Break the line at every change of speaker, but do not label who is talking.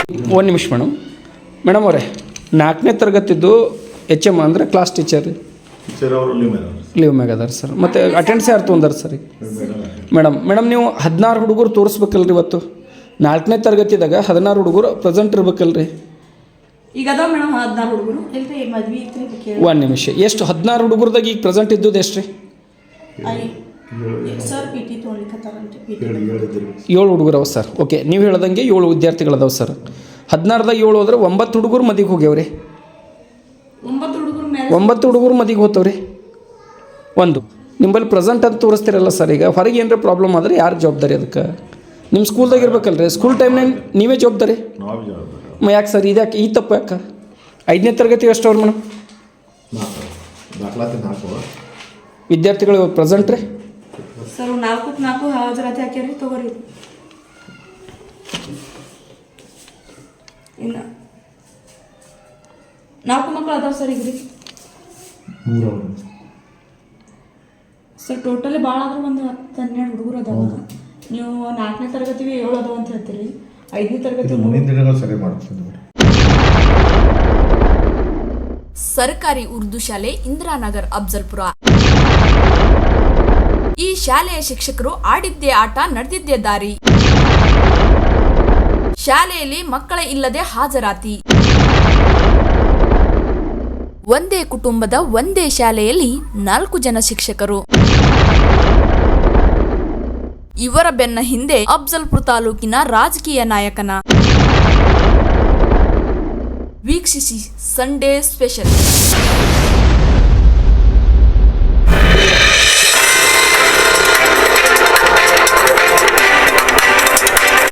ಒಂದು ನಿಮಿಷ ಮೇಡಮ್ ಅವರೇ, 4ನೇ ತರಗತಿದ್ದು HM ಅಂದರೆ ಕ್ಲಾಸ್ ಟೀಚರ್ ರೀ, ಲೀವ್ ಮ್ಯಾಗ ಅದಾರ ಸರ್. ಮತ್ತು ಅಟೆಂಡ್ಸ್ ಯಾರು ತೊಗೊಂಡಾರ ಸರ್ ಈಗ? ಮೇಡಮ್ ನೀವು 16 ಹುಡುಗರು ತೋರಿಸ್ಬೇಕಲ್ರಿ ಇವತ್ತು. 4ನೇ ತರಗತಿದಾಗ 16 ಹುಡುಗರು ಪ್ರೆಸೆಂಟ್ ಇರ್ಬೇಕಲ್ರಿ.
ಈಗ ಅದಾವ ಮೇಡಮ್ 16 ಹುಡುಗರು. ಇಲ್ರಿ ಮದ್ವಿ ಐತ್ರಿ.
ಒಂದು ನಿಮಿಷ, ಎಷ್ಟು 16 ಹುಡುಗರದಾಗ ಈಗ ಪ್ರೆಸೆಂಟ್ ಇದ್ದದ್ದು ಎಷ್ಟು ರೀ?
Sir PT ತೊಗೊಳಿಕತ್ತಾರಂತೆ.
7 ಹುಡುಗರು ಅವ ಸರ್. ಓಕೆ, ನೀವು ಹೇಳ್ದಂಗೆ 7 ವಿದ್ಯಾರ್ಥಿಗಳದಾವ ಸರ್. 16ದಾಗ 7 ಹೋದ್ರೆ 9 ಹುಡುಗರು ಮದಿಗೆ ಹೋಗ್ಯಾವ್ರಿ. 9 ಹುಡುಗರು ಮದಿಗೆ ಹೋಗ್ತಾವ್ರಿ. ಒಂದು ನಿಮ್ಮಲ್ಲಿ ಪ್ರೆಸೆಂಟ್ ಅಂತ ತೋರಿಸ್ತಿರಲ್ಲ ಸರ್. ಈಗ ಹೊರಗೆ ಏನರ ಪ್ರಾಬ್ಲಮ್ ಆದರೆ ಯಾರು ಜವಾಬ್ದಾರಿ ಅದಕ್ಕೆ? ನಿಮ್ಮ ಸ್ಕೂಲ್ದಾಗ ಇರ್ಬೇಕಲ್ರಿ. ಸ್ಕೂಲ್ ಟೈಮ್ನಾಗ ನೀವೇ ಜವಾಬ್ದಾರಿ. ಯಾಕೆ ಸರ್ ಇದ್ಯಾಕೆ ಈ ತಪ್ಪು ಯಾಕೆ? 5ನೇ ತರಗತಿ ಎಷ್ಟು ಅವ್ರು ಮೇಡಮ್ ವಿದ್ಯಾರ್ಥಿಗಳು ಪ್ರೆಸೆಂಟ್ ರೀ?
ಸರ್ 4 ಹಾಜರಾತಿ ಹಾಕ್ಯಾರಿ. ತಗೋರಿ ಇನ್ನು 4 ಮಕ್ಕಳು ಅದಾವ ಸರ್ ಈಗ ರೀ. ಸರ್ ಟೋಟಲಿ ಭಾಳ ಆದ್ರೂ ಒಂದು 10-12 ಹುಡುಗರು ಅದಾವ. ನೀವು 4ನೇ ತರಗತಿಗೆ 7 ಅದಾವ ಅಂತ ಹೇಳ್ತೀರಿ. 5ನೇ ತರಗತಿ
ಮುಂದಿನ ದಿನಗಳು ಸರಿ ಮಾಡ್ತೀನಿ.
ಸರ್ಕಾರಿ ಉರ್ದು ಶಾಲೆ ಇಂದಿರಾನಗರ್ ಅಫ್ಜಲ್ಪುರ. ಈ ಶಾಲೆಯ ಶಿಕ್ಷಕರು ಆಡಿದ್ದೇ ಆಟ ನಡೆದಿದ್ದೇ ದಾರಿ. ಶಾಲೆಯಲ್ಲಿ ಮಕ್ಕಳ ಇಲ್ಲದೆ ಹಾಜರಾತಿ. ಒಂದೇ ಕುಟುಂಬದ ಒಂದೇ ಶಾಲೆಯಲ್ಲಿ 4 ಜನ ಶಿಕ್ಷಕರು. ಇವರ ಬೆನ್ನ ಹಿಂದೆ ಅಫ್ಜಲ್ಪುರ ತಾಲೂಕಿನ ರಾಜಕೀಯ ನಾಯಕನ. ವೀಕ್ಷಿಸಿ ಸಂಡೇ ಸ್ಪೆಷಲ್.